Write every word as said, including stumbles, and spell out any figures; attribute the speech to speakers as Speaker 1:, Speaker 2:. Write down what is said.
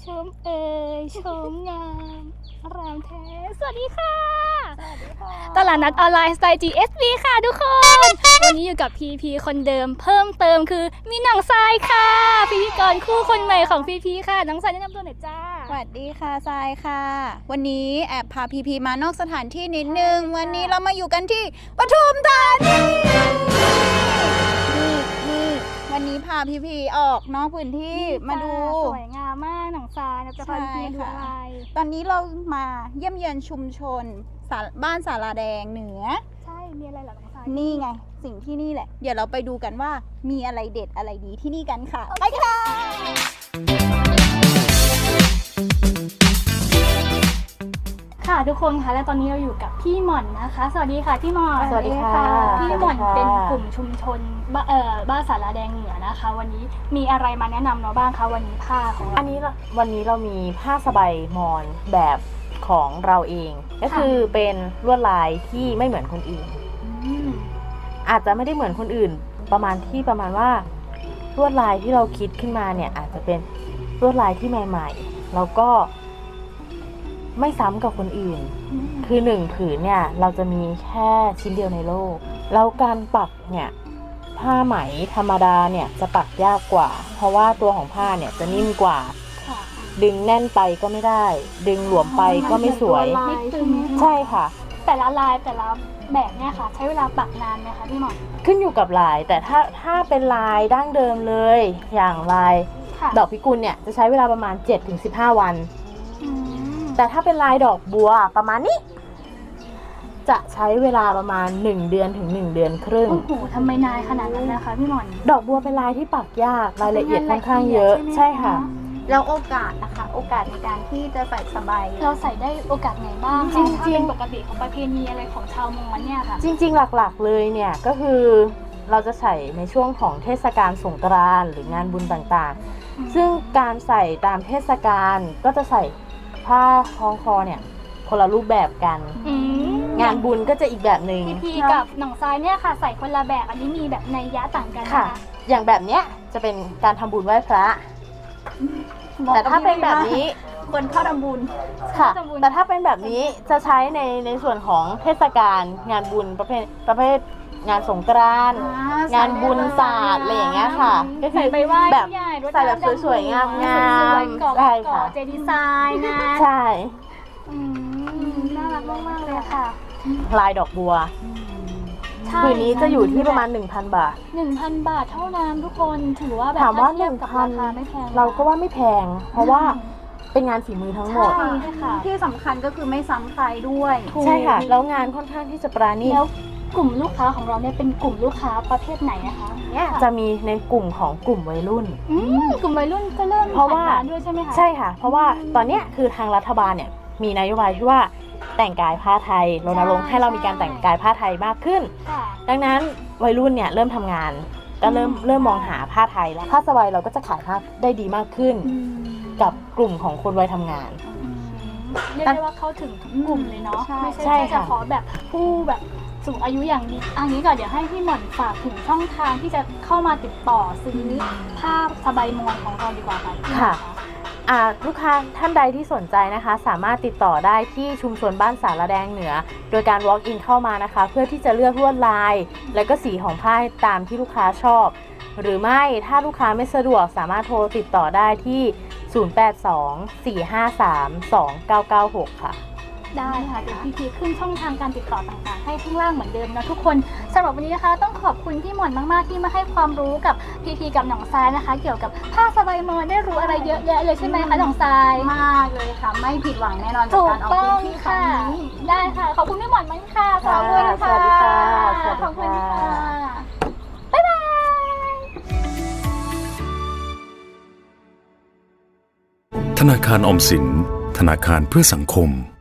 Speaker 1: ชมเอ่ยชมงามรามแท้สวัสดีค่ะสวัสดีค่ะตลาดนัดออนไลน์สไตล์ จี เอส บี ค่ะทุกคน วันนี้อยู่กับพีพีคนเดิมเพิ่มเติมคือมีหนังทรายค่ะพิธีกรคู่คนใหม่ของพีพีค่ะน้องทรายแนะนำตัวหน่อยจ้า
Speaker 2: สวัสดีค่ะทรายค่ะวันนี้แอบพาพีพีมานอกสถานที่นิดนึงวันนี้เรามาอยู่กันที่ปทุมธานีนี่นี่วันนี้พาพีพีออกนอกพื้นที่มาดู
Speaker 1: สวยงามมากหนังทรายนะจะพาพีพีดูอะไร
Speaker 2: ตอนนี้เรามาเยี่ยมเยือนชุมชนบ้านสาราแดงเหนือ
Speaker 1: ใช่มีอะไรหรอหนังทราย
Speaker 2: นี่ไงสิ่งที่นี่แหละเดี๋ยวเราไปดูกันว่ามีอะไรเด็ดอะไรดีที่นี่กันค่ะไปค่ะ
Speaker 1: ค่ะทุกคนค่ะและตอนนี้เราอยู่กับพี่หม่อนนะคะสวัสดีค่ะพี่หม่อน
Speaker 2: สวัสดีค่ะ
Speaker 1: พี่หม่อนเป็นกลุ่มชุมชนเอ่อบ้านสาราแดงเหนือนะคะวันนี้มีอะไรมาแนะนำเราบ้างคะวันนี้ผ้าของเรา
Speaker 3: อันนี้วันนี้เรามีผ้าสบายมอญแบบของเราเองก็คือเป็นลวดลายที่ไม่เหมือนคนอื่นอาจจะไม่ได้เหมือนคนอื่นประมาณที่ประมาณว่าลวดลายที่เราคิดขึ้นมาเนี่ยอาจจะเป็นลวดลายที่ใหม่ๆแล้วก็ไม่ซ้ำกับคนอื่นคือหนึ่งผืนเนี่ยเราจะมีแค่ชิ้นเดียวในโลกแล้วการปักเนี่ยผ้าไหมธรรมดาเนี่ยจะปักยากกว่าเพราะว่าตัวของผ้าเนี่ยจะนิ่มกว่าดึงแน่นไปก็ไม่ได้ดึงหลวมไปก็ไม่สวยใช่ค่ะ
Speaker 1: แต่ละลายแต่ละแบบเนี่ยค่ะใช้เวลาปักนานไหมคะพี่หม่อน
Speaker 3: ขึ้นอยู่กับลายแต่ถ้าถ้าเป็นลายดั้งเดิมเลยอย่างลายดอกพิกุลเนี่ยจะใช้เวลาประมาณ เจ็ดถึงสิบห้า วันแต่ถ้าเป็นลายดอกบัวประมาณนี้จะใช้เวลาประมาณหนึ่งเดือนถึงหนึ่งเดือนครึ่ง
Speaker 1: โอ้โหทำไมนานขนาดนั้นนะคะพี่หม่อน
Speaker 3: ดอกบัวเป็นลายที่ปักยากรายละเอียดค่อนข้างเยอะใช่ค่ะ
Speaker 2: แล้วโอกาสนะคะโอกาสในการที่จะใส่สบาย
Speaker 1: เราใส่ได้โอกาสไหนบ้างจริงจริงปกติของประเพณีอะไรของชาวมอญเนี่ยค่ะ
Speaker 3: จริงๆหลักๆเลยเนี่ยก็คือเราจะใส่ในช่วงของเทศกาลสงกรานต์หรืองานบุญต่างๆซึ่งการใส่ตามเทศกาลก็จะใส่ผ้าคล้องคอเนี่ยคนละรูปแบบกันงานบุญก็จะอีกแบบหนึ่ง
Speaker 1: พี่พีกับหนองทรายเนี่ยค่ะใส่คนละแบบอันนี้มีแบบนัยยะต่างกันค่ะ
Speaker 3: อย่างแบบเนี้ยจะเป็นการทำบุญไหว้พระแต่ถ้าเป็นแบบนี้
Speaker 2: คนเข้าทำบุญ
Speaker 3: ค่ะแต่ถ้าเป็นแบบนี้จะใช้ในในส่วนของเทศกาลงานบุญประเภทประเภทงานสงกรานต์งานบุญศาสตร์อะไรอย่างเงี้ยค่ะก็คือแบบใส่แบบสวยๆงามๆใช่ค่ะ
Speaker 1: เจดีไซน์นะ
Speaker 3: ใช่
Speaker 1: น่ารักมากๆเลยค่ะ
Speaker 3: ลายดอกบัวผืนนี้จะอยู่ที่ประมาณ หนึ่งพัน บาท
Speaker 1: หนึ่งพัน บาทเท่านั้นทุกคนถือว่าแบบ
Speaker 3: ถามว่า หนึ่งพัน
Speaker 1: ไม่แพง
Speaker 3: เราก็ว่าไม่แพงเพราะว่าเป็นงานฝีมือทั้งหมด
Speaker 2: ที่สำคัญก็คือไม่ซ้ำใครด้วย
Speaker 3: ใช่ค่ะแล้วงานค่อนข้างที่จะปราณีต
Speaker 1: แล้วกลุ่มลูกค้าของเราเนี่ยเป็นกลุ่มลูกค้าประเภทไหนนะคะ
Speaker 3: จะมีในกลุ่มของกลุ่มวัยรุ่น
Speaker 1: กลุ่มวัยรุ่นก็เริ่ม
Speaker 3: เพราะว่า
Speaker 1: ด้วยใช่ไหมคะ
Speaker 3: ใช่ค่ะเพราะว่าตอนนี้คือทางรัฐบาลเนี่ยมีนโยบายที่ว่าแต่งกายผ้าไทยรณรงค์ให้เรามีการแต่งกายผ้าไทยมากขึ้นดังนั้นวัยรุ่นเนี่ยเริ่มทำงานก็เริ่มเริ่มมองหาผ้าไทยแล้วผ้าสบายเราก็จะขายผ้าได้ดีมากขึ้นกับกลุ่มของคนวัยทำงาน
Speaker 1: เรียกได้ว่าเข้าถึงทุกกลุ่มเลยเนาะไม่ใช่เฉพาะแบบผู้แบบสูงอายุอย่างนี้อันนี้ก่อนเดี๋ยวให้พี่หม่อนฝากถึงช่องทางที่จะเข้ามาติดต่อซื้อผ้าสบายมอญของเราดีกว่า
Speaker 3: ค่ะลูกค้าท่านใดที่สนใจนะคะสามารถติดต่อได้ที่ชุมชนบ้านสาราแดงเหนือโดยการ walk in เข้ามานะคะเพื่อที่จะเลือกลวดลายและก็สีของผ้าตามที่ลูกค้าชอบหรือไม่ถ้าลูกค้าไม่สะดวกสามารถโทรติดต่อได้ที่ศูนย์ แปด สอง สี่ ห้า สาม สอง เก้า เก้า หกค่ะ
Speaker 1: ได้ค่ะเดี๋ยวพี่พีขึ้นช่องทางการติดต่อต่างๆให้ข้างล่างเหมือนเดิมนะทุกคนสำหรับวันนี้นะคะต้องขอบคุณพี่หม่อนมากๆที่มาให้ความรู้กับพีพีกับหนองทรายนะคะเกี่ยวกับผ้าสบายมอญได้รู้อะไรเยอะแยะเลยใช่ไหมคะหนองทราย
Speaker 2: มากเลยค่ะไม่ผิดหวังแน่นอน
Speaker 1: จากการออกพื้นที่ครั้งนี้ได้ค่ะขอบคุณพี่หม่อนมากค่ะขอบคุณค่ะ
Speaker 3: สวัสดีค่ะ
Speaker 1: ขอบคุณค่ะบ๊ายบาย
Speaker 4: ธนาคารออมสินธนาคารเพื่อสังคม